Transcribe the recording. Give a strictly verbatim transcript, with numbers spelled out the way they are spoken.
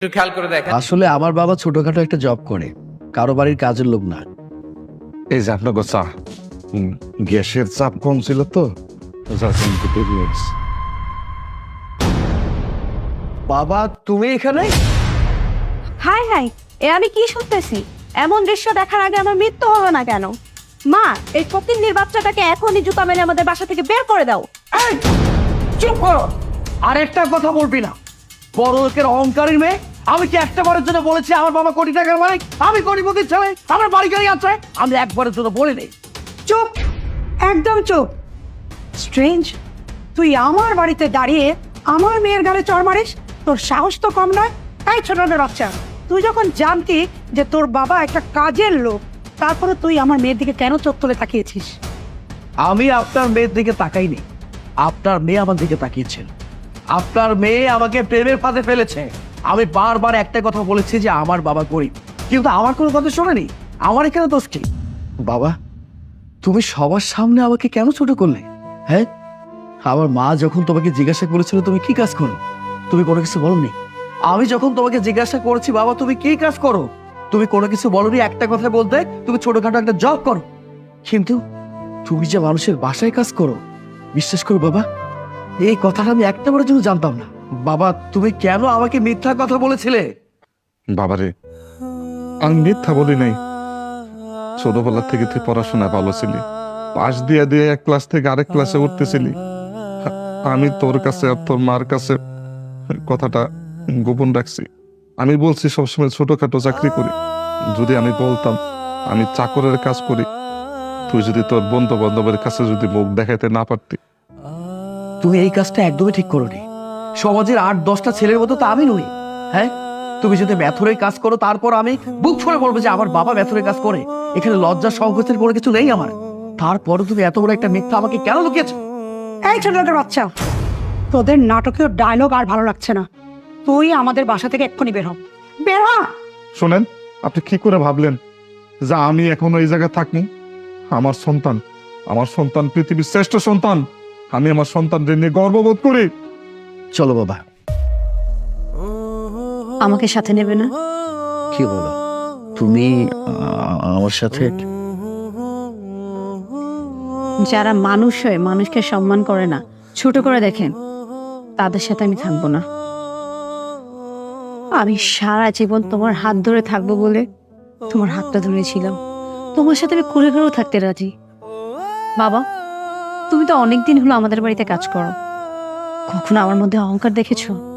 একটু খেয়াল করে দেখেন। আসলে আমার বাবা ছোটখাটো একটা জব করে, কারো বাড়ির কাজের লোক না। এই যে আপনাকে চা, হুম, গ্যাসের চাপ কম ছিল তো, যার জন্য একটু দেরি হয়েছে। বাবা তুমি এখানে? হাই হাই, এ আমি কি শুনতেছি? এমন দৃশ্য দেখার আগে আমার মৃত্যু হলো না কেন? মা, এই ফকিন্নির বাচ্চাটাকে এখনই জুতা মেরে আমাদের বাসা থেকে বের করে দাও। এই, চুপ করো, আর একটা কথা বলবি না। বড় লোকের অহংকারী মেয়ে। আমি কি একটা বারের জন্য বলেছি আমার বাবা কোটি টাকার মালিক, আমি কোটিপতির ছেলে, আমার বাড়ি গাড়ি আছে? আমি একবারের জন্য বলিনি। চুপ, একদম চুপ। স্ট্রেঞ্জ, তুই আমার বাড়িতে দাঁড়িয়ে আমার মেয়ের গালে চড় মারিস? তোর সাহস তো কম নয়। তাই ছোটদের বাচ্চা, তুই যখন জানতি যে তোর বাবা একটা কাজের লোক, তারপরে তুই আমার মেয়ের দিকে কেন চোখ তুলে তাকিয়েছিস? আমি আপনার মেয়ের দিকে তাকাইনি, আপনার মেয়ে আমার দিকে তাকিয়েছেন। আপনার মেয়ে আমাকে প্রেমের ফাঁদে ফেলেছে। আমি বারবার একটা কথা বলেছি যে আমার বাবা গরিব, কিন্তু আমার কোনো কথা শোনেনি। আমার এখানে দোষ কি? বাবা, তুমি সবার সামনে আমাকে কেন ছোট করলে? হ্যাঁ, আমার মা যখন তোমাকে জিজ্ঞাসা করেছিল তুমি কি কাজ করো, তুমি কোনো কিছু বলনি। আমি যখন তোমাকে জিজ্ঞাসা করেছি বাবা তুমি কি কাজ করো, তুমি কোনো কিছু বলনি। একটা কথা বলতে তুমি ছোটখাটো একটা জব করো, কিন্তু তুমি যে মানুষের বাসায় কাজ করো, বিশ্বাস করো বাবা, এই কথাটা আমি একটা বারের জন্য জানতাম না। বাবা তুমি কেন আমাকে মিথ্যা কথা বলেছিলে? বাবারে, আমি মিথ্যা বলি নাই। ছোটবেলা থেকে তুই পড়াশোনা ভালো ছিলি, পাশ দিয়ে দিয়ে এক ক্লাস থেকে আরেক ক্লাসে উঠতেছিলি। আমি তোর কাছে আর তোর মার কাছে কথাটা গোপন রাখছি। আমি বলছি সবসময় ছোটখাটো চাকরি করি। যদি আমি বলতাম আমি চাকরের কাজ করি, তুই যদি তোর বন্ধু বান্ধবের কাছে যদি মুখ দেখাইতে না পারতি। তুমি এই কাজটা একদমই ঠিক করোনি। সমাজের আট দশটা ছেলের মতো তো আমি নই। হ্যাঁ, তুমি যদি মেথরের কাজ করো, তারপর আমি বুক ফুলে বলবো যে আমার বাবা মেথরের কাজ করে। এখানে লজ্জা সংকোচের কোনো কিছু নেই আমার। তারপরে তুমি এত বড় একটা মিথ্যা আমাকে কেন লুকিয়েছো? এই ছোটদের বাচ্চা, তোদের নাটকীয় ডায়লগ আর ভালো লাগছে না। তুই আমাদের বাসা থেকে এক্ষুনি বের হ, বের হ। শোনেন, আপনি কি করে ভাবলেন যে আমি এখনো এই জায়গায় থাকি? আমার সন্তান, আমার সন্তান পৃথিবীর শ্রেষ্ঠ সন্তান। আমি আমার সন্তানদের নিয়ে গর্ববোধ করি। চলো বাবা। আমাকে সাথে নেবে না? কি বলো তুমি আমার সাথে? যারা মানুষ হয়ে মানুষকে সম্মান করে না, ছোট করে দেখেন, তাদের সাথে আমি থাকবো না। আমি সারা জীবন তোমার হাত ধরে থাকবো বলে তোমার হাতটা ধরেছিলাম। তোমার সাথে আমি ঘুরে ঘুরেও থাকতে রাজি। বাবা, তুমি তো অনেকদিন হলো আমাদের বাড়িতে কাজ করো, কখনো আমার মধ্যে অহংকার দেখেছো?